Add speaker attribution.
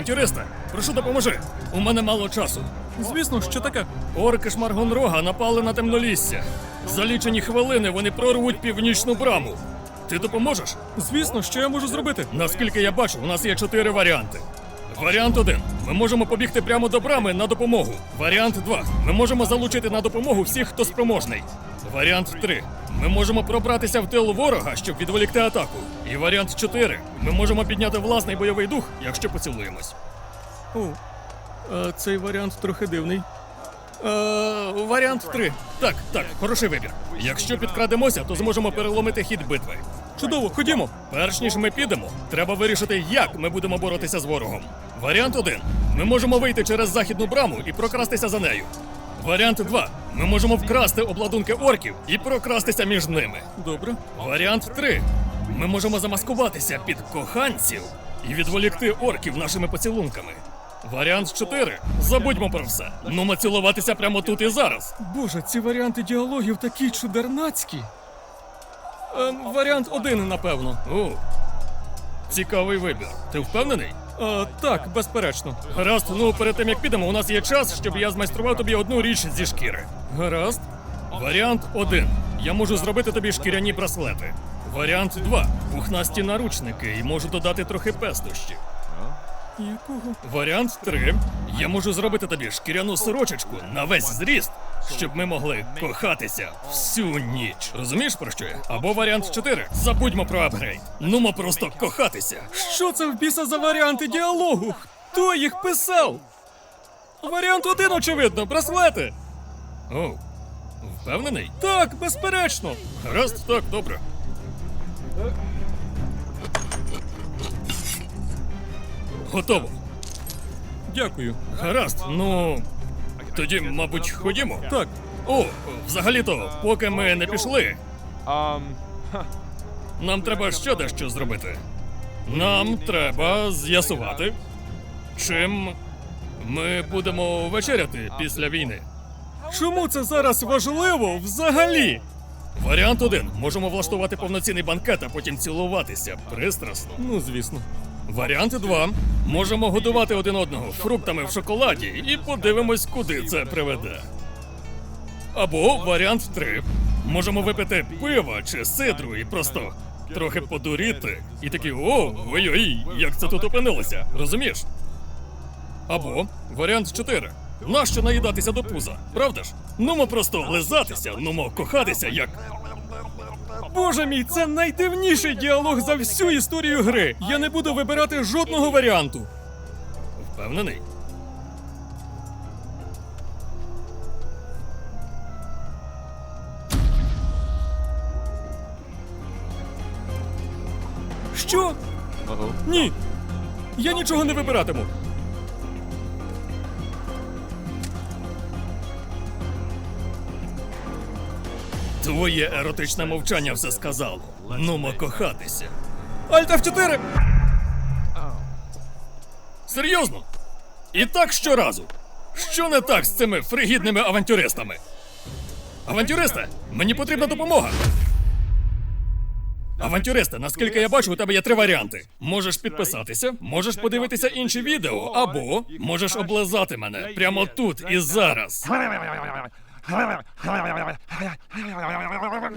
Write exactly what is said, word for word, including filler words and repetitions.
Speaker 1: Авантюристе, прошу допоможи. У мене мало часу.
Speaker 2: Звісно, що таке?
Speaker 1: Орки Шмаргонрога напали на темнолісся. За лічені хвилини вони прорвуть північну браму. Ти допоможеш?
Speaker 2: Звісно, що я можу зробити?
Speaker 1: Наскільки я бачу, у нас є чотири варіанти. Варіант один. Ми можемо побігти прямо до брами на допомогу. Варіант два. Ми можемо залучити на допомогу всіх, хто спроможний. Варіант три. Ми можемо пробратися в тил ворога, щоб відволікти атаку. І варіант чотири. Ми можемо підняти власний бойовий дух, якщо поцілуємось.
Speaker 2: О, а цей варіант трохи дивний.
Speaker 1: Е, варіант три. Так, так, хороший вибір. Якщо підкрадемося, то зможемо переломити хід битви.
Speaker 2: Чудово, ходімо.
Speaker 1: Перш ніж ми підемо, треба вирішити, як ми будемо боротися з ворогом. Варіант один. Ми можемо вийти через західну браму і прокрастися за нею. Варіант два. Ми можемо вкрасти обладунки орків і прокрастися між ними.
Speaker 2: Добре.
Speaker 1: Варіант три. Ми можемо замаскуватися під коханців і відволікти орків нашими поцілунками. Варіант чотири. Забудьмо про все. Нумо цілуватися прямо тут і зараз.
Speaker 2: Боже, ці варіанти діалогів такі чудернацькі.
Speaker 1: Ем, варіант один, напевно. О, цікавий вибір. Ти впевнений?
Speaker 2: А, так, безперечно.
Speaker 1: Гаразд, ну перед тим як підемо, у нас є час, щоб я змайстрував тобі одну річ зі шкіри.
Speaker 2: Гаразд.
Speaker 1: Варіант один. Я можу зробити тобі шкіряні браслети. Варіант два. Пухнасті наручники і можу додати трохи пестощів.
Speaker 2: Якого?
Speaker 1: Варіант три. Я можу зробити тобі шкіряну сорочечку на весь зріст, щоб ми могли кохатися всю ніч. Розумієш, про що я? Або варіант чотири. Забудьмо про апгрейд. Нумо просто кохатися.
Speaker 2: Що це в біса за варіанти діалогу? Хто їх писав?
Speaker 1: Варіант один, очевидно, браслети. О, впевнений?
Speaker 2: Так, безперечно.
Speaker 1: Гаразд, так, добре. Готово.
Speaker 2: Дякую.
Speaker 1: Гаразд, ну. Тоді, мабуть, ходімо.
Speaker 2: Так.
Speaker 1: О, взагалі-то, поки ми не пішли,
Speaker 3: Um,
Speaker 1: нам треба ще дещо зробити. Нам треба з'ясувати, чим ми будемо вечеряти після війни.
Speaker 2: Чому це зараз важливо взагалі?
Speaker 1: Варіант один. Можемо влаштувати повноцінний банкет, а потім цілуватися пристрасно.
Speaker 2: Ну, звісно.
Speaker 1: Варіант два. Можемо годувати один одного фруктами в шоколаді і подивимось, куди це приведе. Або варіант три. Можемо випити пива чи сидру і просто трохи подуріти. І такі о, ой-ой, як це тут опинилося, розумієш? Або варіант чотири. Нащо наїдатися до пуза, правда ж? Нумо просто лизатися, нумо кохатися, як...
Speaker 2: Боже мій, це найдивніший діалог за всю історію гри. Я не буду вибирати жодного варіанту.
Speaker 1: Впевнений?
Speaker 2: Що?
Speaker 3: uh-oh.
Speaker 2: Ні. Я нічого не вибиратиму.
Speaker 1: Твоє еротичне мовчання все сказало. Нумо кохатися.
Speaker 2: Альт еф чотири!
Speaker 1: Серйозно? І так щоразу. Що не так з цими фригідними авантюристами? Авантюристе, мені потрібна допомога. Авантюристе, наскільки я бачу, у тебе є три варіанти. Можеш підписатися, можеш подивитися інші відео, або можеш облизати мене прямо тут і зараз.